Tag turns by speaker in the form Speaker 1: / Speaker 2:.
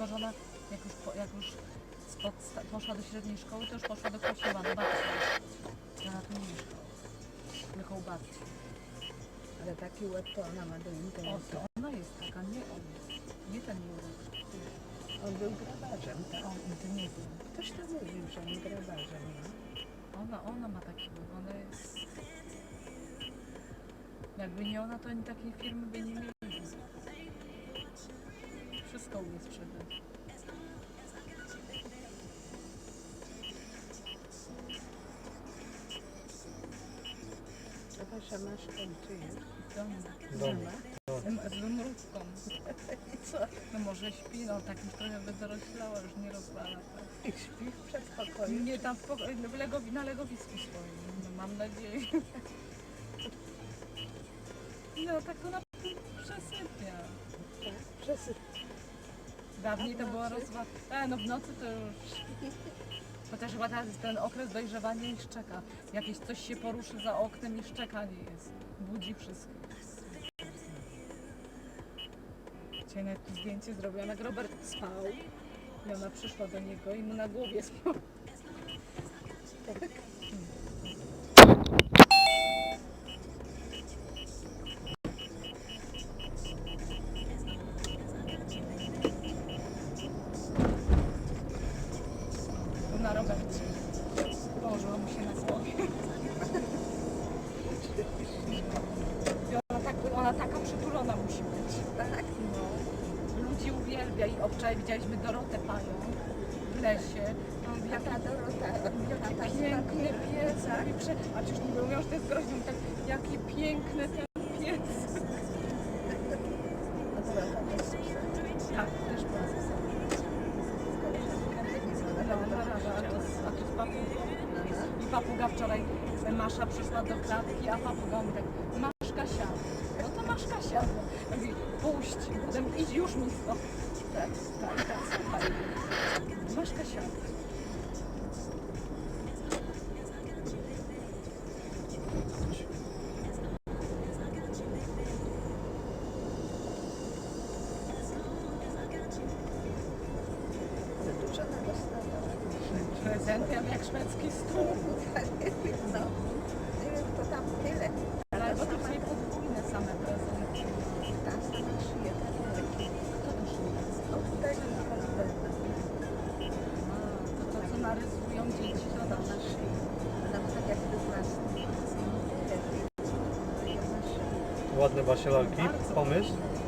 Speaker 1: tylko że ona jak już poszła do średniej szkoły, to już poszła do kościoła, do babci. Ona tu nie mieszkała, tylko u babci.
Speaker 2: Ale taki łeb to ona ma do
Speaker 1: O,
Speaker 2: interesu.
Speaker 1: to ona jest taka, nie on. Nie ten Jurek.
Speaker 2: On był grabarzem, tak?
Speaker 1: On, to nie wiem.
Speaker 2: Ktoś tam mówił, że on grabarzem, no.
Speaker 1: Ona ma taki łeb, ona jest... Jakby nie ona, to ani takiej firmy by nie mieli. Wszystko umie sprzedać.
Speaker 2: A wasza masz kończy już?
Speaker 1: Z wymrówką.
Speaker 2: I co?
Speaker 1: No może śpi, no tak już trochę wydoroślała, już nie rozwala. Tak.
Speaker 2: I śpi w przedpokoju?
Speaker 1: Nie tam na legowisku swoim, no, mam nadzieję. No tak to na przesypia.
Speaker 2: Tak, przesyp.
Speaker 1: Dawniej
Speaker 2: A w
Speaker 1: to była
Speaker 2: nocy?
Speaker 1: rozwała. No w nocy to już... Chociaż chyba teraz jest ten okres dojrzewania i szczeka. Jakieś coś się poruszy za oknem i szczekanie jest. Budzi wszystkich. Dzisiaj nawet tu zdjęcie zrobiłam, jak Robert spał. I ona przyszła do niego i mu na głowie spał.
Speaker 2: Tak.
Speaker 1: Był na Robercie. Położyła mu się na głowie. I ona taka przytulona musi być.
Speaker 2: Tak,
Speaker 1: No. Ludzi uwielbia i obczaj widzieliśmy Dorotę Panią w lesie. No,
Speaker 2: a
Speaker 1: jaki
Speaker 2: ta Dorota,
Speaker 1: Jaki piękny pies, a czyż nie mówią, że to jest groźny, tak, jaki piękny ten pies.
Speaker 2: A Dorota też słyszała.
Speaker 1: Tak, też była ze a tu z papugą. I papuga wczoraj, Masza przyszła do klatki, a papuga mówi tak, masz Kasia. No to masz Kasia. Mówi, puść, potem idź już mi stąd. Tak, słuchaj. Masz Kasia.
Speaker 2: Dużo na dostawała.
Speaker 1: Prezentem jak szwedzki stół.
Speaker 2: No, nie wiem, to tam tyle.
Speaker 1: Ale bo tutaj podwójne same prezenty.
Speaker 2: Ta sama szyje, ta wielki.
Speaker 1: Kto to szyje?
Speaker 2: Od tego na Holiberna.
Speaker 1: To co narysują dzieci, to
Speaker 2: Ona
Speaker 1: tam
Speaker 2: na szyi. Ona ma tak jakby własny. Lepiej. Na szyi.
Speaker 3: Ładne Basia lalki. Pomysł?